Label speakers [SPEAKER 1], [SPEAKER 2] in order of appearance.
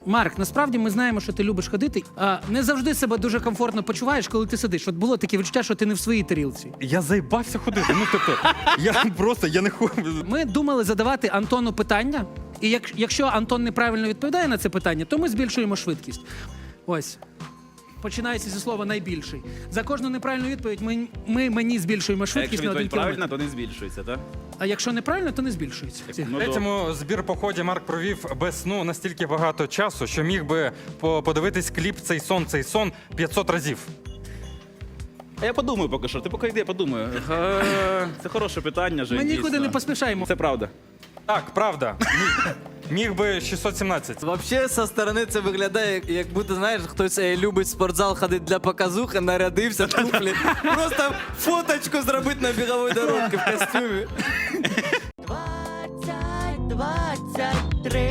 [SPEAKER 1] Марк, насправді ми знаємо, що ти любиш ходити. Не завжди себе дуже комфортно почуваєш, коли ти сидиш. От було таке відчуття, що ти не в своїй тарілці.
[SPEAKER 2] Я заїбався ходити. Ну, тобто, я не хочу.
[SPEAKER 1] Ми думали задавати Антону питання, і якщо Антон неправильно відповідає на це питання, то ми збільшуємо швидкість. Ось. Починається зі слова «найбільший». За кожну неправильну відповідь ми мені збільшуємо
[SPEAKER 3] А
[SPEAKER 1] швидкість
[SPEAKER 3] якщо
[SPEAKER 1] на 1
[SPEAKER 3] відповідь
[SPEAKER 1] кілометр.
[SPEAKER 3] правильна, то не збільшується, так?
[SPEAKER 1] А якщо неправильно, то не збільшується.
[SPEAKER 2] В третьому збір-поході Марк провів без сну настільки багато часу, що міг би подивитись кліп «Цей сон» 500 разів.
[SPEAKER 3] А я подумаю поки що. Ти поки йди, я подумаю. Це хороше питання, Жень,
[SPEAKER 1] Ми нікуди
[SPEAKER 3] дійсно.
[SPEAKER 1] не поспішаємо.
[SPEAKER 3] Це правда.
[SPEAKER 2] Так, правда. Міг би 617.
[SPEAKER 4] Вообще, со сторони це виглядає, як будто, знаєш, хтось любить в спортзал ходити для показухи, нарядився, туфлі. Просто фоточку зробити на біговій дорожці в костюмі.
[SPEAKER 5] 20, 23.